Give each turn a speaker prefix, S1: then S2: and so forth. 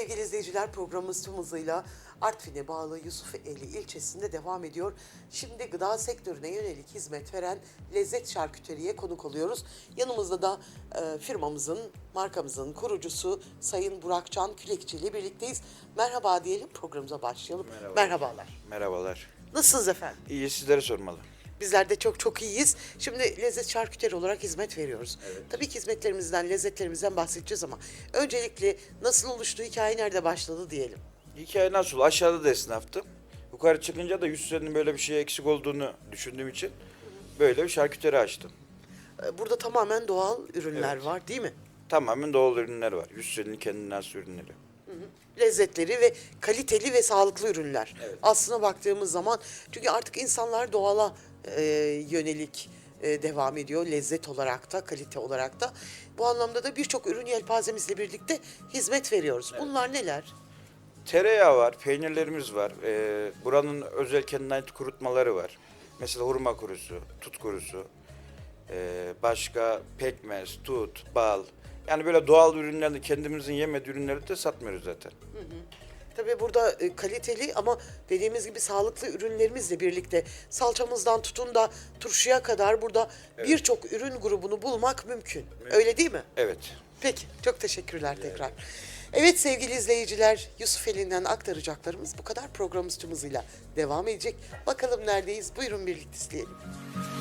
S1: sevgili izleyiciler, programımız tüm hızıyla Artvin'e bağlı Yusufeli ilçesinde devam ediyor. Şimdi gıda sektörüne yönelik hizmet veren Lezzet Şarküteri'ye konuk oluyoruz. Yanımızda da firmamızın, markamızın kurucusu Sayın Burakcan Külekçi ile birlikteyiz. Merhaba diyelim, programımıza başlayalım. Merhabalar.
S2: Merhabalar.
S1: Nasılsınız efendim?
S2: İyi, sizlere sormalı.
S1: Bizler de çok iyiyiz. Şimdi lezzet şarküteri olarak hizmet veriyoruz.
S2: Evet.
S1: Tabii ki hizmetlerimizden, lezzetlerimizden bahsedeceğiz ama öncelikle nasıl oluştu, hikaye nerede başladı diyelim.
S2: Hikaye nasıl? Aşağıda da esnaftım. Yukarı çıkınca da 100 senenin böyle bir şeye eksik olduğunu düşündüğüm için böyle bir şarküteri açtım.
S1: Burada tamamen doğal ürünler
S2: Evet.
S1: var değil mi?
S2: Tamamen doğal ürünler var. 100 senenin kendine has ürünleri.
S1: Lezzetleri ve kaliteli ve sağlıklı ürünler.
S2: Evet.
S1: Aslına baktığımız zaman çünkü artık insanlar doğala yönelik devam ediyor. Lezzet olarak da, kalite olarak da. Bu anlamda da birçok ürün yelpazemizle birlikte hizmet veriyoruz. Bunlar neler?
S2: Tereyağı var, peynirlerimiz var. Buranın özel kendine ait kurutmaları var. Mesela hurma kurusu, tut kurusu, başka pekmez, tut, bal. Yani böyle doğal ürünlerini, kendimizin yemediği ürünleri de satmıyoruz zaten.
S1: Tabii burada kaliteli ama dediğimiz gibi sağlıklı ürünlerimizle birlikte salçamızdan tutun da turşuya kadar burada birçok ürün grubunu bulmak mümkün. Öyle değil mi?
S2: Evet.
S1: Peki, çok teşekkürler tekrar. Evet sevgili izleyiciler, Yusufeli'nden aktaracaklarımız bu kadar. Programımız tüm hızıyla devam edecek. Bakalım neredeyiz? Buyurun birlikte izleyelim.